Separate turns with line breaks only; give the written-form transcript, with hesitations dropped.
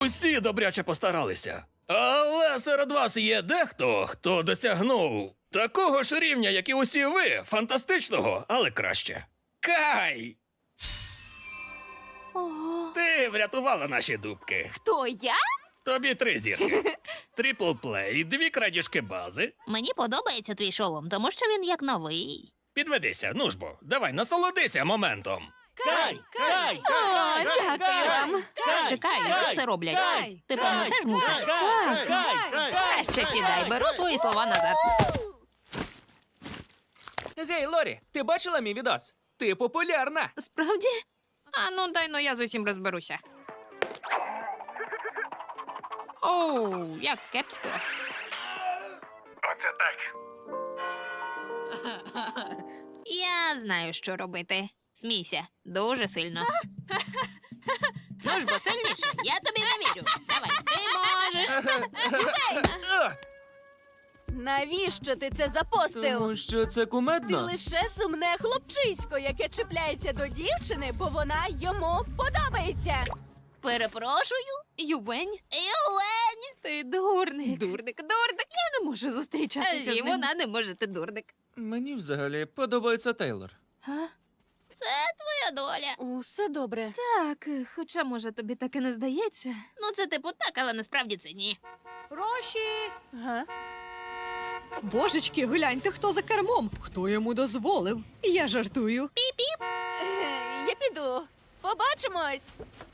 Усі добряче постаралися. Але серед вас є дехто, хто досягнув такого ж рівня, як і усі ви, фантастичного, але краще. Кай! Ти врятувала наші дубки.
Хто я?
Тобі 3 зірки. Трипл плей, 2 крадіжки бази.
Мені подобається твій шолом, тому що він як новий.
Підведися, ну ж бо, давай, насолодися моментом.
Кай! Кай!
О, дякую вам.
Чекай, як це роблять? Ти, певно, теж мусиш? Так. Краще сідай, беру свої слова назад.
Гей, Лорі, ти бачила мій відос? Ти популярна.
Справді? А ну дай, ну я з усім розберуся. Оу, як кепсько.
Оце так.
Я знаю, що робити. Смійся, дуже сильно. Ну ж бо сильніше, я тобі не вірю. Давай, ти можеш.
Навіщо ти це запостив?
Тому що це
Ти
кумедно.
лише сумне хлопчисько, яке чіпляється до дівчини, бо вона йому подобається.
Перепрошую.
Ювень?
Юлень!
Ти дурник.
Дурник.
Я не можу зустрічатися з
І
ним.
вона не може, ти дурник.
Мені взагалі подобається Тейлор.
А?
Це твоя доля.
Усе добре.
Так, хоча, може, тобі таке не здається.
Ну, це типу так, але насправді це ні.
Гроші.
Га?
Божечки, гляньте, хто за кермом. Хто йому дозволив? Я жартую.
Я піду. Побачимось.